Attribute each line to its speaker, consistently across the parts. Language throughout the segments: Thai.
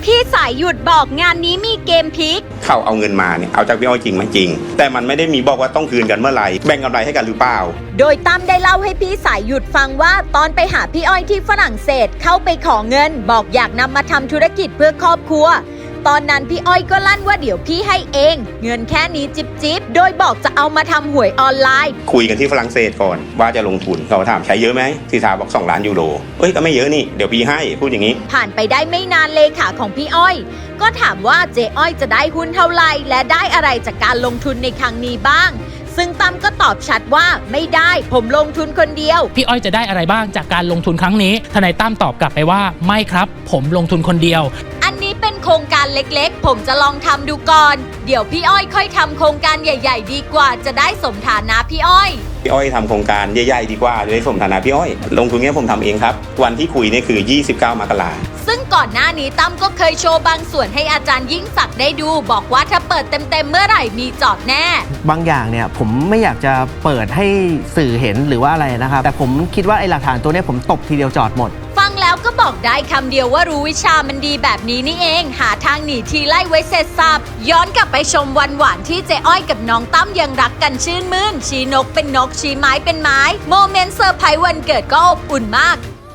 Speaker 1: พี่สายหยุดบอกงานนี้มีเกมพลิก
Speaker 2: เขาเอาเงินมาเนี่ยเอาจากพี่อ้อยจริงไหมจริงแต่มันไม่ได้มีบอกว่าต้องคืนกันเมื่อไหร่แบ่งกำไรให้กันหรือเปล่า
Speaker 1: โดยตั้มได้เล่าให้พี่สายหยุดฟังว่าตอนไปหาพี่อ้อยที่ฝรั่งเศสเข้าไปขอเงินบอกอยากนำมาทำธุรกิจเพื่อครอบครัวตอนนั้นพี่อ้อยก็ลั่นว่าเดี๋ยวพี่ให้เองเงินแค่นี้จิบโดยบอกจะเอามาทำหวยออนไลน์
Speaker 2: คุยกันที่ฝรั่งเศสก่อนว่าจะลงทุนเขาถามใช้เยอะไหมทีสาบอก2 ล้านยูโรก็ไม่เยอะนี่เดี๋ยวพี่ให้พูดอย่างนี้
Speaker 1: ผ่านไปได้ไม่นานเลขาของพี่อ้อยก็ถามว่าเจ๊อ้อยจะได้หุ้นเท่าไหร่และได้อะไรจากการลงทุนในครั้งนี้บ้างซึ่งตั้มก็ตอบชัดว่าไม่ได้ผมลงทุนคนเดียว
Speaker 3: พี่อ้อยจะได้อะไรบ้างจากการลงทุนครั้งนี้ทนายตั้มตอบกลับไปว่าไม่ครับผมลงทุนคนเดียว
Speaker 1: อันนี้เป็นโครงการเล็กๆผมจะลองทำดูก่อนเดี๋ยวพี่อ้อยค่อยทำโครงการใหญ่ๆดีกว่าจะได้สมฐานะพี่อ้อย
Speaker 2: ทำโครงการใหญ่ๆดีกว่าจะได้สมฐานะพี่อ้อยลงทุนนี้ผมทำเองครับวันที่คุยนี่คือ29 มกราคม
Speaker 1: ซึ่งก่อนหน้านี้ตั้มก็เคยโชว์บางส่วนให้อาจารย์ยิ่งศักดิ์ได้ดูบอกว่าถ้าเปิดเต็มๆเมื่อไหร่มีจอดแน่
Speaker 4: บางอย่างเนี่ยผมไม่อยากจะเปิดให้สื่อเห็นหรือว่าอะไรนะครับแต่ผมคิดว่าไอ้หลักฐานตัวนี้ผมตบทีเดียวจอดหมด
Speaker 1: ฟังแล้วก็บอกได้คำเดียวว่ารู้วิชามันดีแบบนี้นี่เองหาทางหนีทีไล่ไว้เสร็จสับย้อนกลับไปชมวันหวานที่เจ๊อ้อยกับน้องตั้มยังรักกันชื่นมื่นชี้นกเป็นนกชี้ไม้เป็นไม้โมเมนต์เซอร์ไพรส์วันเกิดก็อบอุ่นมาก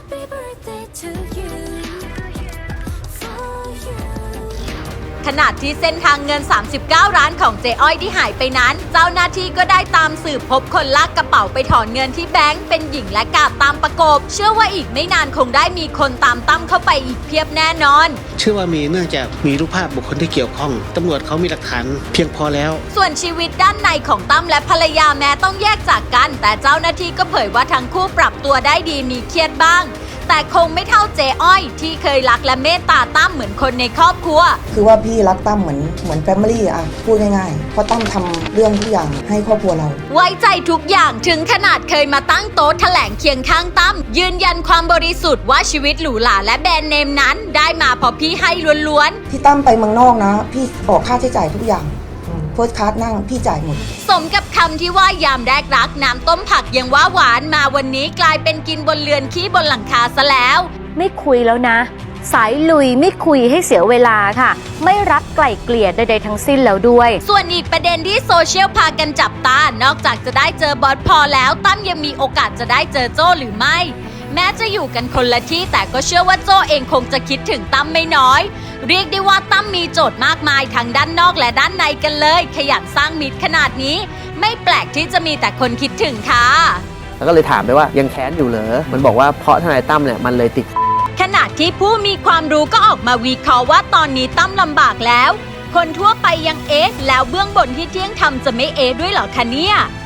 Speaker 1: ขณะที่เส้นทางเงิน39 ล้านของเจ๊อ้อยที่หายไปนั้นเจ้าหน้าที่ก็ได้ตามสืบพบคนลากกระเป๋าไปถอนเงินที่แบงก์เป็นหญิงและกาดตามประกบเชื่อว่าอีกไม่นานคงได้มีคนตามตั้มเข้าไปอีกเพียบแน่นอน
Speaker 5: เชื่อว่ามีเนื่องจากมีรูปภาพบุคคลที่เกี่ยวข้องตำรวจเขามีหลักฐานเพียงพอแล้ว
Speaker 1: ส่วนชีวิตด้านในของตั้มและภรรยาแม้ต้องแยกจากกันแต่เจ้าหน้าที่ก็เผยว่าทั้งคู่ปรับตัวได้ดีมีเครียดบ้างแต่คงไม่เท่าเจ๊อ้อยที่เคยรักและเมตตาตั้มเหมือนคนในครอบครัว
Speaker 6: คือว่าพี่รักตั้มเหมือนแฟมิลี่อะพูดง่ายๆเพราะตั้มทำเรื่องทุกอย่างให้ครอบครัวเรา
Speaker 1: ไว้ใจทุกอย่างถึงขนาดเคยมาตั้งโต๊ะแถลงเคียงข้างตั้มยืนยันความบริสุทธิ์ว่าชีวิตหรูหราและแบรนด์เนมนั้นได้มาเพราะพี่ให้ล้วน
Speaker 6: ๆที่ตั้มไปเมืองนอกนะพี่ออกค่าใช้จ่ายทุกอย่างเฟิร์สคลาสนั่งพี่จ่ายหมด
Speaker 1: สมกับคำที่ว่ายามแรกรักน้ำต้มผักยังว่าหวานมาวันนี้กลายเป็นกินบนเรือนขี้บนหลังคาซะแล้ว
Speaker 7: ไม่คุยแล้วนะสายลุยไม่คุยให้เสียเวลาค่ะไม่รักไกล่เกลี่ยใดๆทั้งสิ้นแล้วด้วย
Speaker 1: ส่วนอีกประเด็นที่โซเชียลพากันจับตานอกจากจะได้เจอบอสพอแล้วตั้มยังมีโอกาสจะได้เจอโจ้หรือไม่แม้จะอยู่กันคนละที่แต่ก็เชื่อว่าโจ้เองคงจะคิดถึงตั้มไม่น้อยเรียกได้ว่าตั้มมีโจทย์มากมายทั้งด้านนอกและด้านในกันเลยขยันสร้างมิตรขนาดนี้ไม่แปลกที่จะมีแต่คนคิดถึงค่ะ
Speaker 4: แล้วก็เลยถามไปว่ายังแค้นอยู่เหรอมันบอกว่าเพราะทนายตั้มเนี่ยมันเลยติด
Speaker 1: ขณะที่ผู้มีความรู้ก็ออกมาวิเคราะห์ว่าตอนนี้ตั้มลำบากแล้วคนทั่วไปยังแล้วเบื้องบนที่เที่ยงทำจะไม่ด้วยเหรอคะเนี่ย